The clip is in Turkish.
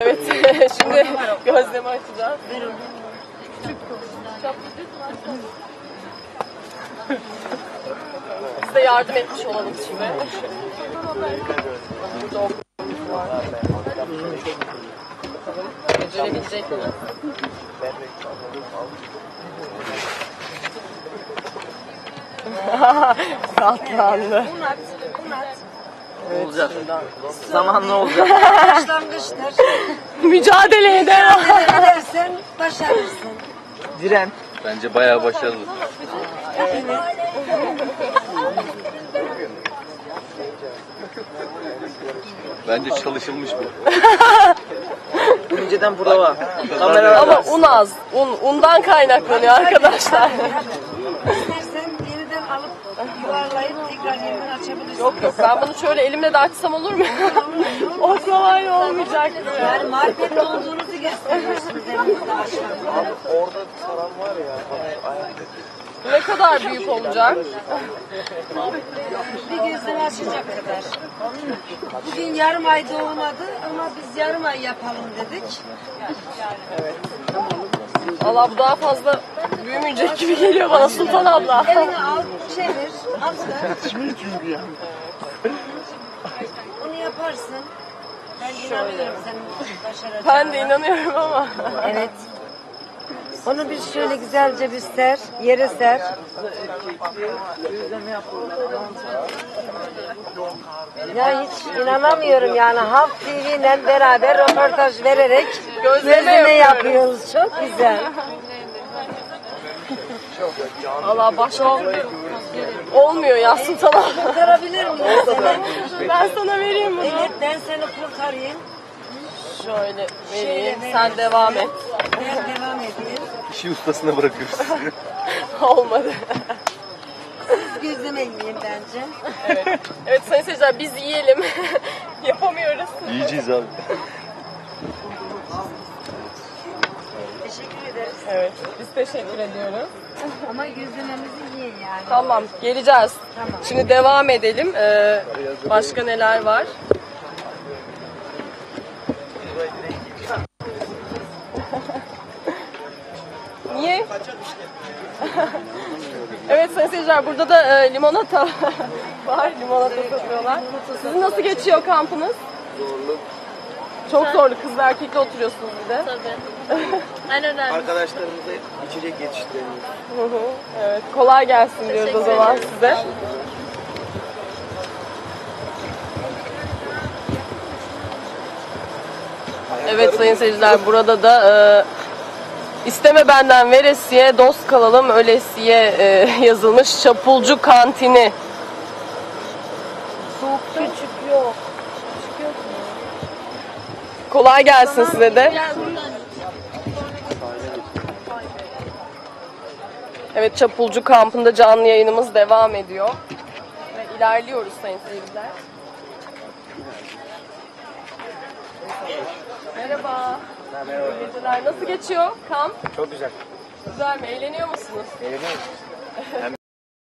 Evet, şimdi gözlemi açacağız. Size yardım etmiş olalım şimdi. Burada okulumuz var. Becerebilecek mi? Katlandı. Evet, olacak. şuradan. Zamanla olacak. Başlangıçtır. Mücadeleye devam. Edersen başarırsın. Diren. Bence bayağı başarılı. Bence çalışılmış bu. Önceden prova. Kamera Ama un az. Undan kaynaklanıyor arkadaşlar. İstersen yeniden alıp yuvarlayıp tekrar yeniden açabilirsin. Yok yok, ben bunu şöyle elimle de açsam olur mu? Oklavayla olmayacak. Yani marifetli olduğunuzu gösteriyorsunuz elinizde başlangıçta. Orada saran var ya. Ne kadar büyük olacak? Bir gözden açacak kadar. Bugün yarım ay doğmadı ama biz yarım ay yapalım dedik. Allah, bu daha fazla büyümeyecek gibi geliyor bana Sultan abla. Elini al, çevir, atla. Çünkü yani. Onu yaparsın. Ben inanıyorum senin başaracağına. Ben de inanıyorum ama. Evet. Onu bir şöyle güzelce bir ser, yere ser. Ya hiç inanamıyorum yani Halk TV ile beraber röportaj vererek gözleme yapıyoruz. Çok güzel. Allah başka olmuyor ya Sultan abla. Kurtarabilir miyim seni? Ben sana vereyim bunu. Evet, ben seni kurtarayım. Şöyle vereyim, sen devam et. Ben devam edeyim. İşi ustasına bırakıyoruz. Olmadı. Siz gözleme yiyin bence. Evet. Evet sayın seyirciler, biz yiyelim. Yapamıyoruz. Yiyeceğiz abi. Teşekkür ederiz. Evet, biz teşekkür ediyoruz. Ama gözlememizi yiyin yani. Tamam, geleceğiz. Tamam. Şimdi devam edelim. Başka neler var? Niye? Evet sayın seyirciler, burada da limonata var. Limonata satıyorlar. Sizin nasıl geçiyor kampınız? Zorlu. Çok zorlu. Kızla erkekle oturuyorsunuz bir de. Tabii. En önemli. Arkadaşlarımıza içecek yetiştiremiyoruz. Hı hı. Evet, kolay gelsin diyoruz o zaman size. Evet sayın seyirciler, burada da isteme benden veresiye, dost kalalım ölesiye yazılmış Çapulcu Kantini. Küçük yok. Kolay gelsin size de. Evet, Çapulcu kampında canlı yayınımız devam ediyor. Ve ilerliyoruz sayın seyirciler. Merhaba. Merhaba. İyi geceler. Nasıl geçiyor kamp? Çok güzel. Güzel mi? Eğleniyor musunuz? Eğleniyoruz.